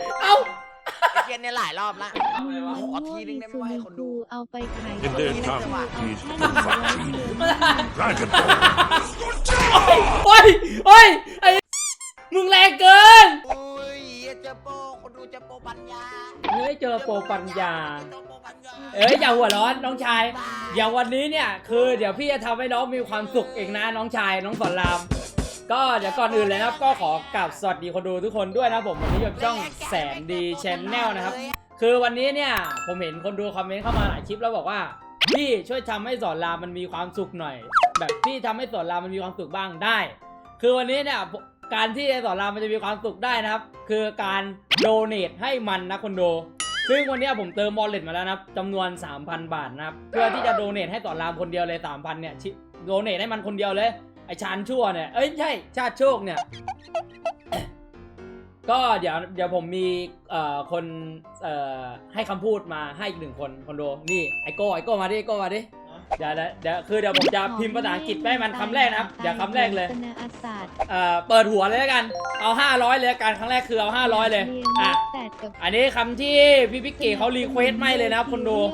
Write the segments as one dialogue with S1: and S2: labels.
S1: เอ้า
S2: ไอเกนเนี่ยหลายรอบละขอทีนึงได้ไหมให้คนดู
S3: เอาไปขาย
S4: In their tongue, he's Dragon
S1: โอ้ยไอ้มึงแรงเกิน
S2: โอ้ยเจอโปคนดูเจอโปปัญญา
S1: เฮ้ยเจอโปรปัญญาอย่าหัวร้อนน้องชายอย่างวันนี้เนี่ยคือเดี๋ยวพี่จะทำให้น้องมีความสุขเองนะน้องชายน้องสอนรามก็เดี๋ยวก่อนอื่นเลยนะครับก็ขอกราบสวัสดีคนดูทุกคนด้วยนะผมวันนี้อยู่ช่องแสนดีชแนลนะครับคือวันนี้เนี่ยผมเห็นคนดูคอมเมนต์เข้ามาหลายคลิปแล้วบอกว่าพี่ช่วยทำให้สอนรามมันมีความสุขหน่อยแบบพี่ทำให้สอนรามมันมีความสุขบ้างได้ คือวันนี้เนี่ยการที่สอนรามมันจะมีความสุขได้นะครับคือการโดเนทให้มันนะคนดูซึ่งวันนี้ผมเติมวอลเล็ตมาแล้วนะครับจำนวน 3,000 บาทนะครับเพื่อที่จะโดเนทให้สอนรามคนเดียวเลย 3,000 เนี่ยโดเนทให้มันคนเดียวเลยไอชานชั่วเนี่ยเอ้ยใช่ชาติโชคเนี่ย ก็เดี๋ยวผมมีคนให้คำพูดมาให้อีก1 คนดูนี่ไอโก้มาดิเดี๋ยวผมจะพิมพ์ภาษาอังกฤษให้มันคำแรกนะครับเดี๋ยวคำแรกเลยเปิดหัวเลยแล้วกันเอา500เลยกันครั้งแรกคือเอา500เลยอ่ะอันนี้คำที่พี่พิกกี้เขารีเควสไม่เลยนะครับคนดู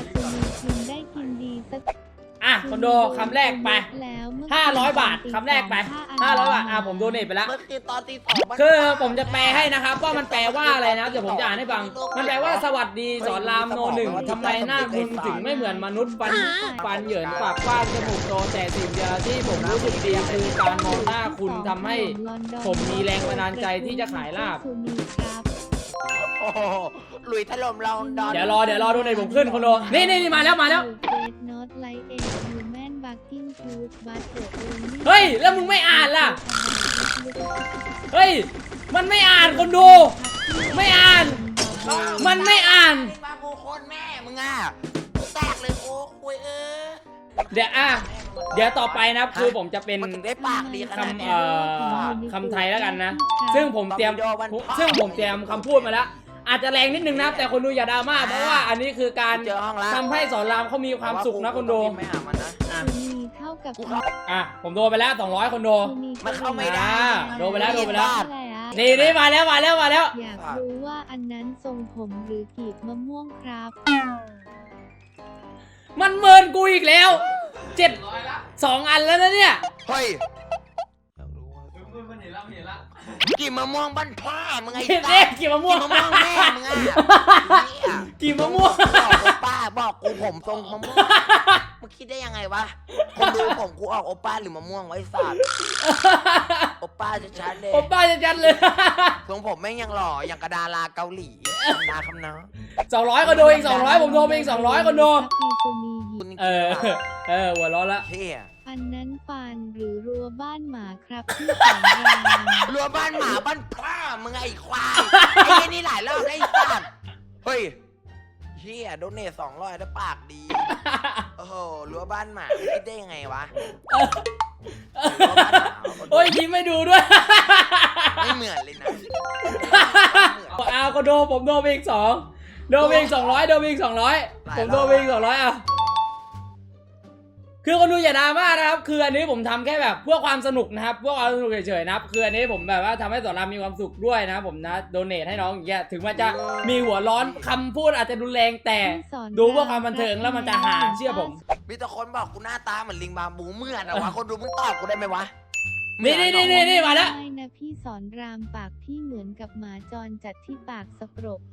S1: อ่ะคนดูคำแรกไป500 บาทคำแรกไป500 บาทผมโดเนทไปแล้ว
S2: เมื่อคืนตอนตี 2
S1: คือผมจะแปลให้นะครับว่ามันแปลว่าอะไรนะเดี๋ยวผมจะอ่านให้ฟังมันแปลว่าสวัสดีสอนรามโนหนึ่งทำไมหน้าคุณถึงไม่เหมือนมนุษย์ฟันเหยินปากกว้างจมูกโตแต่สิ่งเดียวที่ผมรู้สึกดีคือการมองหน้าคุณทำให้ผมมีแรงบันดาลใจที่จะขายลาบ
S2: โอ้โหหลุยถล่มเราดอน
S1: เดี๋ยวรอดูในผมขึ้นคนดูนี่มาแล้วเฮ้ยแล้วมึงไม่อ่านล่ะเฮ้ยมันไม่อ่านคนดูไม่อ่านมันไม่อ่าน
S2: มาโมโคนแม่มึงอ่ะแตกเลยโอ้คุย
S1: เดี๋ยวต่อไปนะครับคือผมจะเป็น
S2: มันถึงได้ปากดีขนาดนี้
S1: คำไทยแล้วกันนะซึ่งผมเตรียมคำพูดมาแล้วอาจจะแรงนิดนึงนะแต่คนดูอย่าดราม่าเพราะว่าอันนี้คือการทำให้สอนรามเขามีความสุขนะคนดูผมโดนไปแล้ว200คนดู
S2: มันเข้าไม่ได้
S1: โดนไปแล้วนี่มาแล้ว
S3: อยากรู้ว่าอันนั้นทรงผมหรือกีบมะม่วงครับ
S1: มันเมินกูอีกแล้ว2 อันแล้วนะเนี่ย
S2: เฮ้ยกี่มะม่วงบ้านพ่อมึงไง
S1: กี่มะม่วง
S2: แม่มึงอ่ะ
S1: กี่มะม่วง
S2: บอกกูผมทรงมะม่วงมึงคิดได้ยังไงวะคนดูผมกูออกโอป้าหรือมะม่วงไว้สัตว์โอป้าจะชัดเลยทรงผมแม่งยังหล่ออย่างกระดาราเกาหลีนาคำน้
S1: า200ก็โดนอีก200ผมโดนไปอีก200ก็โดนหัวร้อนละ
S3: อันนั้นฟันหรือรั้วบ้านหมาครับที่แข็งแรง
S2: รั้วบ้านหมาบ้านพ่อมึงไอ้ควายไอ้นี่หลายรอบได้สัตว์เฮ้ยเฮียโดนเนท200แล้วปากดีโอ้โหรั้วบ้านหมาคิดได้ยังไงวะ
S1: โอ้ยยิ้มไม่ดูด้วย
S2: ไม่เหมือนเลยนะ
S1: ก็โดนผมโดนไปอีก2โดนไปอีก200ผมโดนไปอีก200คือคนดูอย่าดราม่านะครับคืออันนี้ผมทำแค่แบบเพื่อความสนุกนะครับเพื่อความสนุกเฉยๆนะครับคืออันนี้ผมแบบว่าทำให้สอนรามมีความสุขด้วยนะผมนะโดเนทให้น้องอย่างเงี้ยถึงมันจะมีหัวร้อนคำพูดอาจจะรุนแรงแต่ดูเพื่อความบันเทิงแล้วมันจะหาเชื่อผม
S2: มีแต่คนบอกกูหน้าตาเหมือนลิงบาบูเมื่อนะวะคนดูมึงตอบกูได้ไหมวะ
S1: นี่มาแล้ว
S3: ไม่นะพี่สอนรามปากพี่เหมือนกับหมาจรจัดที่ปากสกปรก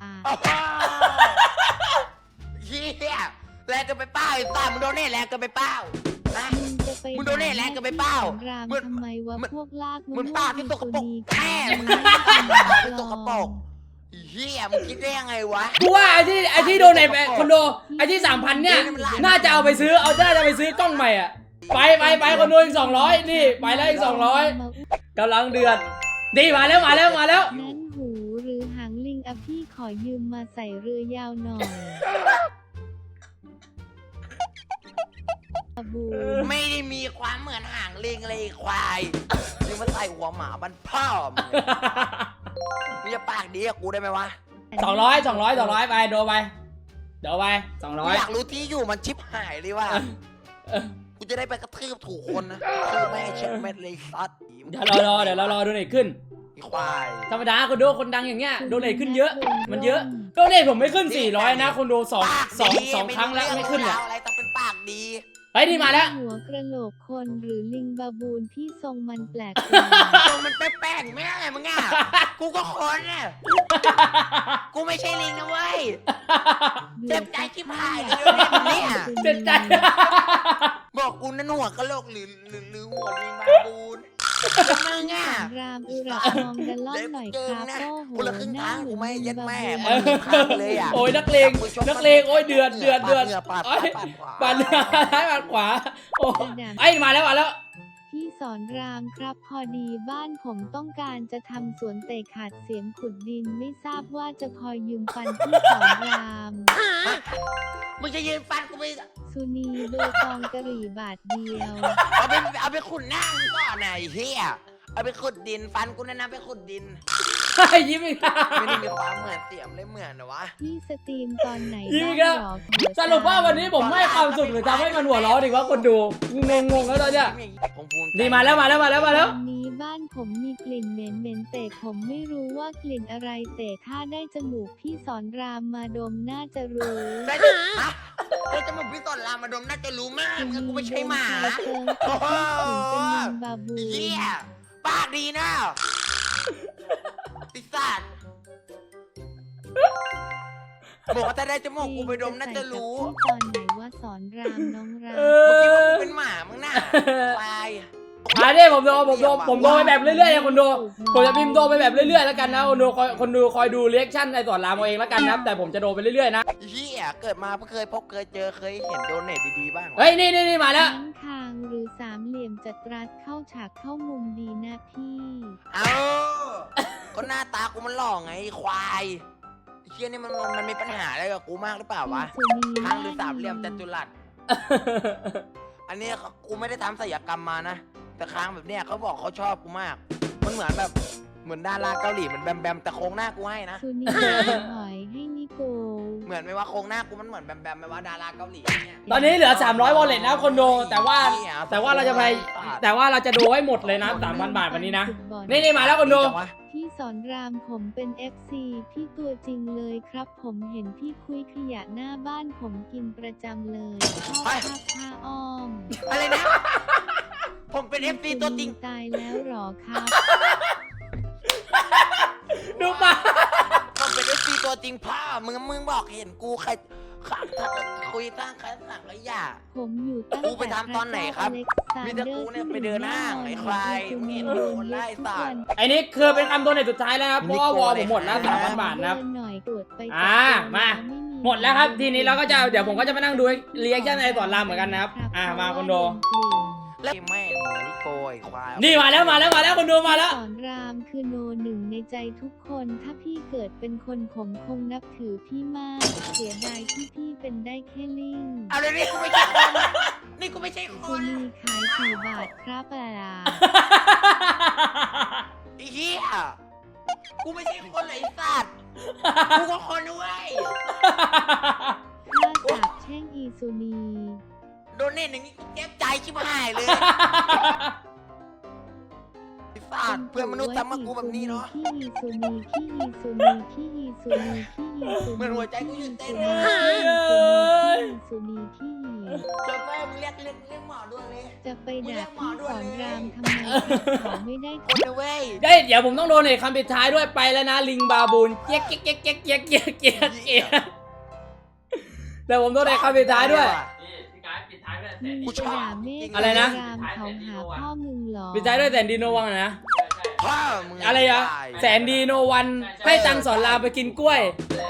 S2: เฮียแรงเกินไปเป้าไอ้ตามึงโดนเน่แรงเกินไปเป้ามึงโดนเน่แรงเกินไปเป้า
S3: ทำไมวะพวกลาก
S2: มึงปากที่ตกกระปรกแม่มึงตกกระปรกเฮียมึงคิดได้ยังไงวะ
S1: กูว่าไอ้ที่โดนในคอนโดไอ้ที่ 3,000 เนี่ยน่าจะเอาไปซื้อกล้องใหม่อ่ะไปคอนโดอีก200นี่ไปแล้วอีก200กำลังเดือดนี่มาแล้ว
S3: นั่นหูหรือหางลิงอะพี่ขอยืมมาใส่เรือยาวหน่อย
S2: ไม่ได้มีความเหมือนหางลิงเลยควายมึงมาใส่หัวหมาบันพ่อมึงจะปากดีกับกูได้ไหมวะ
S1: 200ไปโดไปเดี๋ยวไป200
S2: อยากรู้ที่อยู่มันชิบหายเลยว่ะกูจะได้ไปกระทืบถูกคนนะคือแม่เช็ดเม็ดเลยซัด
S1: เดี๋ยวเรารอดูหน่อยขึ้น
S2: ไอ้ควาย
S1: ธรรมดาคนดูคนดังอย่างเงี้ยโดเนทขึ้นเยอะมันเยอะโดเนทผมไม่ขึ้น400นะคนดูสองครั้งแล้วไม่ขึ้น
S2: แล้
S1: อ่ะ
S2: วอะไรต้องเป็นปากดี
S1: เฮ้ยนี่มาแล้ว
S3: หัวกระโหลกคนหรือลิงบาบูนที่ทรงมันแปลก
S2: ตัวมันแป้งๆไม่ได้มึงอ่ะกูก็คนน่ะกูไม่ใช่ลิงนะเว้ย
S3: ๆ
S2: เจ็บใจชิบหายเลยเนี่ย
S1: เจ็บใจ
S2: บอกกูนั่นหัวกะโหลกหรือหัวลิงบาบูนมึงอ่ะ
S3: รามอุระมองดันล่อนหน่อยครับโอ้โห
S2: กูละครึ่งทางกูไม่เย็ดแม่
S3: ห
S2: มึ
S3: น้าง
S2: ครั้งเลยอ่ะ
S1: โอ้ยนักเลงโอ้ยเดือด
S2: ปาด
S1: โอ้ย
S2: ขวา
S1: ปันซ้ายปันขวาโอ้ไอ้มาแล้ว
S3: พี่สอนรามครับพอดีบ้านผมต้องการจะทำสวนแต่ขาดเสียงขุดดินไม่ทราบว่าจะพอยืมฟันพี่สอนราม
S2: มึงจะยืนฟันกูไป
S3: สุนีเบอร์ตองกะหรี่บาทเดียว
S2: เอาไปขุดหน้ามึงก่อนไหนเฮียเอาไปขุดดินฟันกูนั่นนะไปขุดดิน
S1: ยิ้มอีก
S2: ไม่ได้มีความเหมือนเสียมเลยเหมือนนะวะ
S3: พี่สตรีมตอนไหน
S1: ยิ้มอีก
S3: บ้า
S1: แล้ว
S3: งหรอ
S1: สรุปว่าวันนี้ผมให้ความสุขหรือทำให้มันหัวเราะดีว่าคนดูงงแล้วตอนเนี้ย
S2: ผมภูมิใจ
S1: นี่มาแล้ว
S3: วันนี้บ้านผมมีกลิ่นเหม็นแต่ผมไม่รู้ว่ากลิ่นอะไรแต่ถ้าได้จมูกพี่สอนรามมาดมน่าจะรู้
S2: ได้จะฮะได้จะมึงพี่สอนรามมาดมน่าจะรู้มากมึงกูไม่ใช่หมา
S3: เจิงแต่พี่ผมเป็นลิงบาบู
S2: เฮียปากดีนะปิศาจบอกว่าถ้าได้จมูกกูไปดมน่าจะรู้
S3: ตอนไหนว่าสอนรามน้องราม
S1: เอ
S2: เมื่อกี้ว่า
S1: อ
S2: กูเป็นหมามึงน่ะควาย
S1: อันนี้ผมโดไปแบบเรื่อยๆนะคนดูผมจะพิมพ์โดไปแบบเรื่อยๆแล้วกันนะคนดูคอยดูเรีแอคชั่นในสอนรามเอาเองแล้วกันนะแต่ผมจะโดไปเรื่อยๆนะ
S2: เฮียเกิดมาเพิ่งเคยพบเคยเจอเคยเห็นโดเนทดีๆบ้าง
S1: เฮ้ยนี่มาแล้ว
S3: ทั้งคางหรือสามเหลี่ยมจัดรัดเข้าฉากเข้ามุมดีนะพี่
S2: เอาก็หน้าตากูมันหล่อไงควายเฮียนี่มันมีปัญหาอะไรกับกูมากหรือเปล่าวะ
S3: สุนี
S2: ข้างหรือสามเหลี่ยมจัตุรัส อันนี้กูไม่ได้ทำศัลยกรรมมานะแต่ค้างแบบเนี้ยเขาบอกเขาชอบกูมาก มันเหมือนแบบเหมือนดาราเกาหลีเหมือนแบมแต่โครงหน้ากูให้นะ
S3: สุนีหอยให้นิโก
S2: เหมือนไหมว่าโครงหน้ากูมันเหมือนแบมไหมว่าดาราเกาหลีเนี่ย
S1: ตอนนี้เหลือ300 wallet นะคนดูแต่ว่าเราจะไปแต่ว่าเราจะดูให้หมดเลยนะ 3,000 บาทวันนี้นะนี่มาแล้วคนดู
S3: พี่สอนรามผมเป็น FC พี่ตัวจริงเลยครับ ผมเห็นพี่คุยขยะหน้าบ้านผมกินประจำเลยชอบภาพผ้าอ้อม
S2: อะไรนะ ผมเป็น FC ตัวจริง
S3: ตายแล้วหรอครับ
S1: ดูมา
S2: ผมเป็น FC ตัวจริงพ่อมึงบอกเห็นกูใครคุยตั้งใครสั่งขยะ
S3: ผมอยู่ตั้ง
S2: กูไปทำตอนไหนครับมีแต่กูเนี่ยไปเดินห้างไอ้ควายมึงเห็นโดนไล่สัตว์
S1: ไอ้นี่คือเป็นคำโดเนทสุดท้ายแล้วครับเพราะว่าวอลผมหมดแล้ว 3,000 บาทนะครับ
S3: หน่อยตรวจไป
S1: มาหมดแล้วครับทีนี้เราก็จะเดี๋ยวผมก็จะมานั่งดูเรีแอคชั่นในสอนรามเหมือนกันนะครับมาคนดู
S2: แล้วแม่งนิโกยควาย
S1: นี่มาแล้วคนดูมาแล้ว
S3: สอนรามคือโนหนึ่งในใจทุกคน ถ้าพี่เกิดเป็นคนผมคงนับถือพี่มาก เสียดายที่พี่เป็นได้แค่ลิง
S2: เอาเลยนี่กูไม่ใช่คนนี่กูไม่ใช่ค
S3: คุ
S2: น
S3: ณีขาย4 บาทครับปลา
S2: ไอ้เหี้ยกูไม่ใช่คนเลยไอ้สัตว์กูก็คนด้วย
S3: ถ้าสาบแช่งอีสุนี
S2: โดนเน่นอย่างนี้กูเจ็บใจชิบหายเลยไอ้สัตว์เพื่อนมนุษย์ทำมากูแบบนี้เนาะ
S3: พี่อีสุนีพี่อีสุนีพี่อีสุนีพี่อีสุนี
S2: เหมือนหัวใจกูหยุดเต้นเลย
S3: พี่อีสุนีพี่อี
S2: เจอแม่มึงเรียกหมอด้วยเลย
S3: จะไปด่าพี่สอนรามทำไมเขาไม่ได้
S2: คนนะเว้ย
S1: เดี๋ยวผมต้องโดเนทคำปิดท้ายด้วยไปแล้วนะลิงบาบูนเจ๊กเดี๋ยวผมโดเนทคำปิดท้ายด้วย
S3: มึง
S2: กู
S3: จะ
S2: ชอบ
S3: ด่าเมฆ
S1: อะไรนะ
S3: รามเขาหาพ่อมึงเหรอ
S1: ปิดท้ายด้วยแสนดีโนวันนะ
S2: พ่อมึง
S1: อะไรอะแสนดีโนวันให้ตังค์สอนรามไปกินกล้วย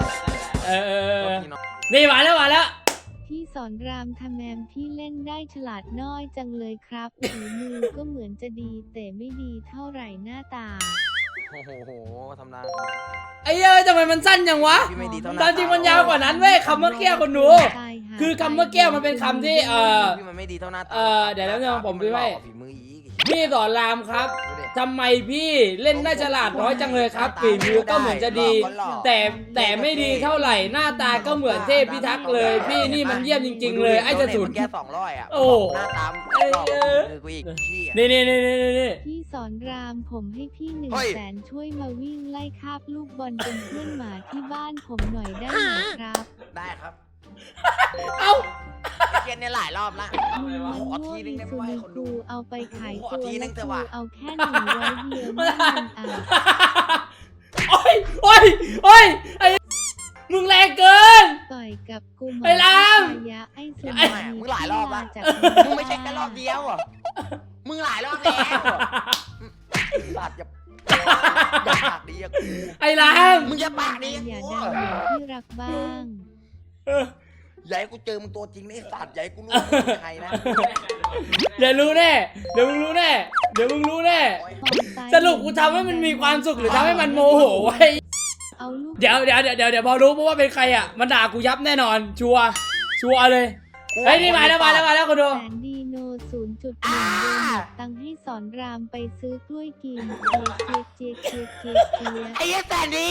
S1: นี่มาแล้ว
S3: พี่สอนรามทำแมมพี่เล่นได้ฉลาดน้อยจังเลยครับฝีมือก็เหมือนจะดีแต่ไม่ดีเท่าไหร่หน้าตา
S2: โอ้โหทำนาน
S1: ไอ้เอ้ยทำไมมันสั้นจังวะ
S2: พี่ไม่ดีเท่านั้น
S1: ตอนจริงมันยาวกว่านั้นเว้ยคำเมื่อกี้คนดู คือคำเมื่อกี้มันเป็นคำที่
S2: พี่มันไม่ดีเท่าหน้าตา
S1: เดี๋ยวผมดูให้
S2: ฝีมืออีก
S1: พี่สอนรามครับ
S2: ดูดิ
S1: ทำไมพี่เล่นได้ฉลาดน้อยจังเลยครับฝีมือก็เหมือนจะดี แต่ไม่ดีเท่าไหร่หน้าตาก็เหมือนเทพพิทักษ์เลยพี่นี่มันเยี่ยมจริงๆเลยไอ้จะสุด
S2: แค่200อ่ะ
S1: โอ้
S2: หน้าตามคือกูอีกพี่
S1: นี่
S3: พี่สอนรามผมให้พี่
S2: เฮ้ย
S3: 100,000ช่วยมาวิ่งไล่คาบลูกบอลเป็นเพื่อนหมาที่บ้านผมหน่อยได้ไหมครับ
S2: ได้ครับ
S1: เอ้า
S2: เกียนเนี่ยหลายรอบละ
S3: มึง
S2: ขอทีนึงได้ไหม
S3: ซู
S2: วะให้
S3: นิ
S2: คนดู
S3: กูเอาไปขาย
S2: ขอ
S3: ตัว
S2: ทีนึ
S3: ละ
S2: งเถ
S3: กู
S2: อะวะ
S3: เอาแค่100เดียวไม่มึงอ่ะ
S1: โอ้ยไอ้มึงแรงเกิน
S3: ต่อยกับกูหม
S1: ไอ้ราม
S3: ยะไอ้สุ
S2: แหมมึงหลายรอบละ
S3: จาก
S2: มึงไม่ใช่แค่รอบเดียวอ่ะมึงหลายรอบแล้วสัตว์อย่าปากดีอะกู
S1: ไอ้ราม
S2: มึงอย่าปากดี
S3: อย่า
S2: กู
S3: ดังเหมือนที่รักบ้าง
S2: อย่าให้กูเจอมึงตัวจริงนะไอ้สัตว์อย่าให้กูรู้ว่ามึงเป็นใครนะ
S1: เดี๋ยวรู้แน่เดี๋ยวมึงรู้แน่สรุปกูทำให้มันมีความสุขหรือทำให้มันโมโหไว้
S3: เอาลูก
S1: เดี๋ยวพอรู้เพราะว่าเป็นใครอ่ะมันด่ากูยับแน่นอนชัวร์เลยเฮ้ยนี่มาแล้วคุณดู
S3: แสนดีโน 0.1 โดนตังค์ให้สอนรามไปซื้อกล้วยกินเจี๊ยก
S2: ไอ้แสนดี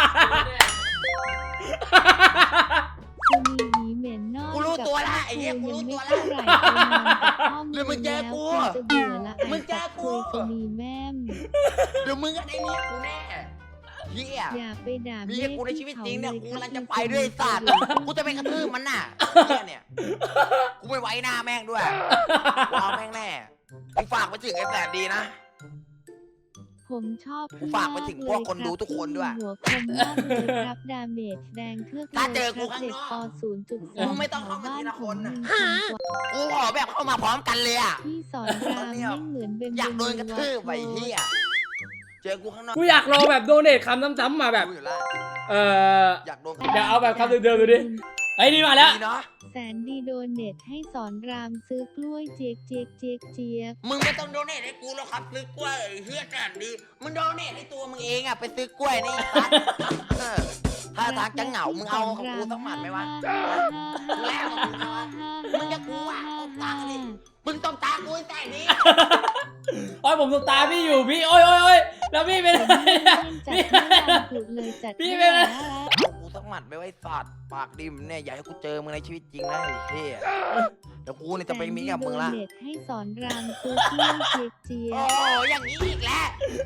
S3: กูมีหวีเหม็นนอก
S2: กูรู้ตัวละไอ้เหี้ยกูรู้ตัวละ
S3: ยังไม่เท่าไหร่ไปนอนกับพ่อ
S2: เดี๋ยวมึงเจอกู
S3: แล้วจะเบื่อละ
S2: มึงเจอกู
S3: คุยมีแม่ม
S2: เดี๋ยวมึงก็ได้เมียกูแน่เฮีย
S3: อย่าไปด่า
S2: เมียกูในชีวิตจริงเนี่ยกู
S3: ค
S2: กำ
S3: บ
S2: ลังจะไปด้วยไอ้สัตว์กูจะไปกระทืบมันน่ะเหี้ยเนี่ยกูไม่ไว้หน้าแม่งด้วยกูเอาแม่งแน่กูฝากไปถึงไอ้แสนดีนะ
S3: ผมชอบ
S2: กูฝากไปถึงพวกคนดูทุกคนด้วย
S3: หัวคมมากเลยครับดาเมจแดงเทือก
S2: ถ้าเจอกูข้าง
S3: เด็
S2: น
S3: ก
S2: อก
S3: ป .0.2
S2: มึงไม่ต้องเข้ามาทีละคนน่ะ
S3: บ้าผม
S2: กูขอแบบเข้ามาพร้อมกันเลยอ่ะ
S3: พี่สอนรามไม่เหมือนเป็น
S2: อยากโดนกระทืบไปเฮียเจอกูข้างนอก
S1: กูอยากลองแบบโดเนทคำซ้ำๆมาแบบ
S2: กูอยู่แล้ว อยากโดน
S1: เดี๋ยวเอาแบบคำเดิมๆดูดิไอ้นี่มาแล้ว
S2: ดีเนาะ
S3: แสนดีโดนเน็ตให้สอนรามซื้อกล้วยเจี๊ยก
S2: มึงไม่ต้องโดเนทให้กูหรอกครับซื้อกล้วยเฮียแสนดีมึงโดเนทให้ตัวมึงเองอ่ะไปซื้อกล้วยนี่สัตว์ถ้าทางจะเหงามึงเอาของกูสักหมัดไหมวะ แล้วมึงจะกูอ่ะตบตาดิมึงตบตากูไอ้แสนดี
S1: โอ้ยผมตบตาพี่อยู่พี่โอ้ยแล้วพี่เป็นอะไรเนี่ย พี่เป็นอะไร
S2: เอากูสักหมัดไปไว้สัตว์ปากดิมเนี่ยอย่าให้กูเจอมึงในชีวิตจริงนะไอ้เหี้ยเดี๋ยวกูเนี่ยจะไปมีกับมึงละ
S3: เน็ตให้สอนรามซื้อกล้วยเจี๊ย
S2: โอ้
S3: ก
S2: อย่างนี้อีกแล้ว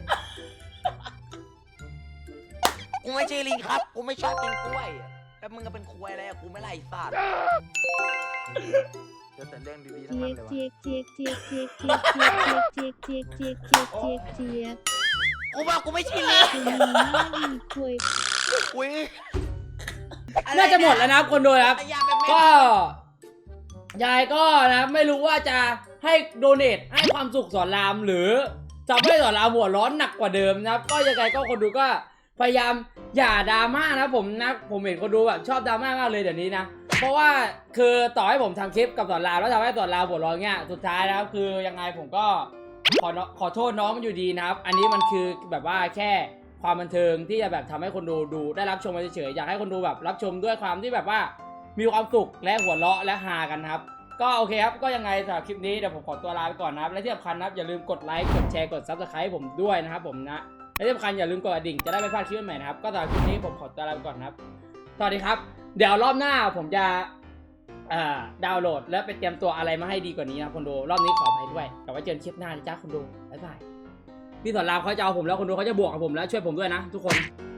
S2: กูไม่ใช่ลิงครับกูไม่ชอบกินกล้วยแล้วมึงก็เป็นควายอะไรอะกูไม่ไล่สัตว์เจอแต่เรื่องดีๆทั้งนั้นเลยวะ
S3: เจี๊ยก
S2: กูบอกกูไม่ใช่ลิง
S3: คุณมีหน้ามีคุย
S2: อุ้ย
S1: น่าจะหมดแล้วนะครับคนดูครับ
S2: อย่าเป็นแม่
S1: ก็ยายก็นะไม่รู้ว่าจะให้โดเนทให้ความสุขสอนรามหรือจะไม่สอนรามหัวร้อนหนักกว่าเดิมนะครับก็ยังไงก็คนดูก็พยายามอย่าดราม่านะผมเห็นคนดูแบบชอบดราม่ามากเลยเดี๋ยวนี้นะเพราะว่าคือต่อให้ผมทำคลิปกับสอนรามแล้วทำให้สอนรามหัวร้อนเงี้ยสุดท้ายนะครับคือยังไงผมก็ขอโทษน้องมันอยู่ดีนะครับอันนี้มันคือแบบว่าแค่ความบันเทิงที่จะแบบทำให้คนดูได้รับชมเฉยๆอยากให้คนดูแบบรับชมด้วยความที่แบบว่ามีความสุขและหัวเราะและฮากันนะครับก็โอเคครับก็ยังไงสำหรับคลิปนี้เดี๋ยวผมขอตัวลาไปก่อนนะครับและที่สำคัญนะครับอย่าลืมกดไลค์กดแชร์กด Subscribe ผมด้วยนะครับผมนะและที่สำคัญอย่าลืมกดกระดิ่งจะได้ไม่พลาดคลิปใหม่นะครับก็สำหรับคลิปนี้ผมขอตัวลาไปก่อนนะครับสวัสดีครับเดี๋ยวรอบหน้าผมจะดาวน์โหลดและไปเตรียมตัวอะไรมาให้ดีกว่านี้นะคนดูรอบนี้ขออภัยด้วยแต่ว่าเจอกันคลิปหน้านะจ๊ะคนดูบ๊ายบายพี่สอนรามเขาจะเอาผมแล้วคนดูเขาจะบวกกับผมแล้วช่วยผมด้วยนะทุกคน